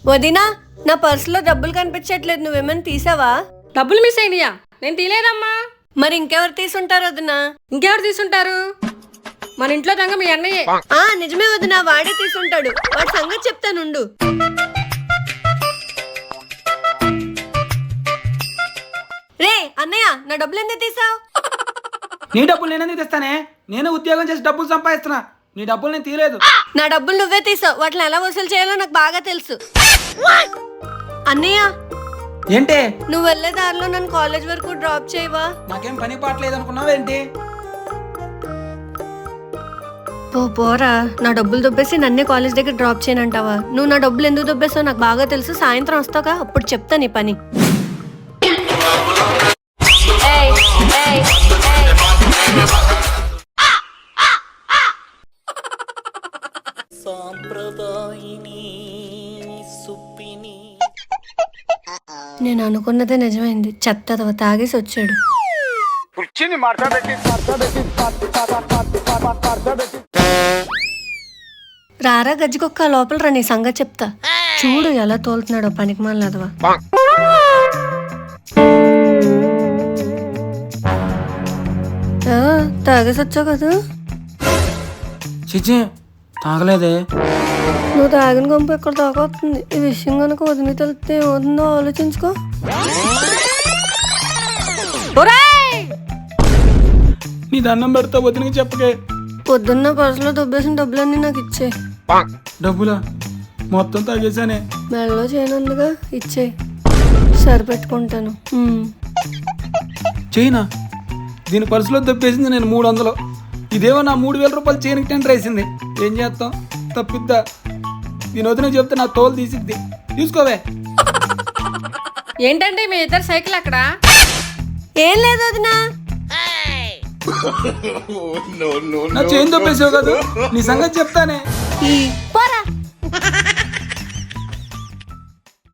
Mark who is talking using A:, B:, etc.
A: వదినా, నా పర్సులో డబ్బులు కనిపించట్లేదు, నువ్వేమైనా తీసావా?
B: డబ్బులు మిస్ అయినాయా? నేను తీలేదమ్మా.
A: మరి ఇంకెవరు తీసుంటారు వదినా?
B: ఇంకెవరు తీసుంటారు? మన ఇంట్లో దొంగ మీ అన్నయ్యే.
A: నిజమే వదినా, వాడే తీసుంటాడు. వాడి సంగతి చెప్తానుండు. రే అన్నయ్య, నా డబ్బులు ఎందుకు తీసావు?
C: నీ డబ్బులు నేనెందుకు తెస్తానే? నేను ఉద్యోగం చేసి డబ్బులు సంపాదిస్తున్నా. నీ డబ్బులు నేను తీయలేదు.
A: నా డబ్బులు నువ్వే తీసావు. వాటిని ఎలా వసూలు చేయాలో నాకు బాగా తెలుసు. అన్నయ్య,
C: ఏంటి?
A: నువ్వు వెళ్లే దారిలో నన్ను కాలేజ్ వరకు డ్రాప్ చేయవా?
C: నాకేం పని పాటలేదు అనుకున్నావేంటి?
A: పోరా, నా డబ్బులు దొబ్బేసి నన్నే కాలేజ్ దగ్గర డ్రాప్ చేయనంటావా? నువ్వు నా డబ్బులు ఎందుకు దొబ్బేసావు నాకు బాగా తెలుసు. సాయంత్రం వస్తావుగా, అప్పుడు చెప్తా నీ పని. నేను అనుకున్నదే నిజమైంది. చెత్త తాగేసి వచ్చాడు. రారా గజ్జికొక్క, లోపల రా, నీ సంగతి చెప్తా. చూడు ఎలా తోలుతున్నాడో పనికి మాలదవా. తాగేసి వచ్చావు కదా?
C: చిచి, తాగలేదే.
A: నువ్వు తాగిన గంప ఎక్కడ తాగొస్తుంది. ఈ విషయం కనుక వదిలి తెలిస్తే ఏమవుతుందో ఆలోచించుకో.
C: నీ దండం పెడతా, వదినకి చెప్పకే.
A: పొద్దున్న పర్సులో దొబ్బేసిన డబ్బులన్నీ నాకు ఇచ్చే.
C: డబ్బులా? మొత్తం తాగేసానే.
A: మెడలో చేయనందుగా ఇచ్చే, సరిపెట్టుకుంటాను.
C: చైనా దీని పర్సులో దప్పేసింది నేను 300. ఇదేమో నా 3000 రూపాయలు చైన్కి టెండర్ వేసింది. ఏం చేస్తాం, తప్పిద్దా? దీని వదిన చెప్తే నా తోలు తీసిద్ది. తీసుకోవే.
B: ఏంటంటే మీ ఇద్దరు సైకిల్ అక్కడ?
A: ఏం లేదు వదినా.
C: నా చైన్ దొప్పేసావు కదా, నీ సంగతి చెప్తానే.
A: పోరా.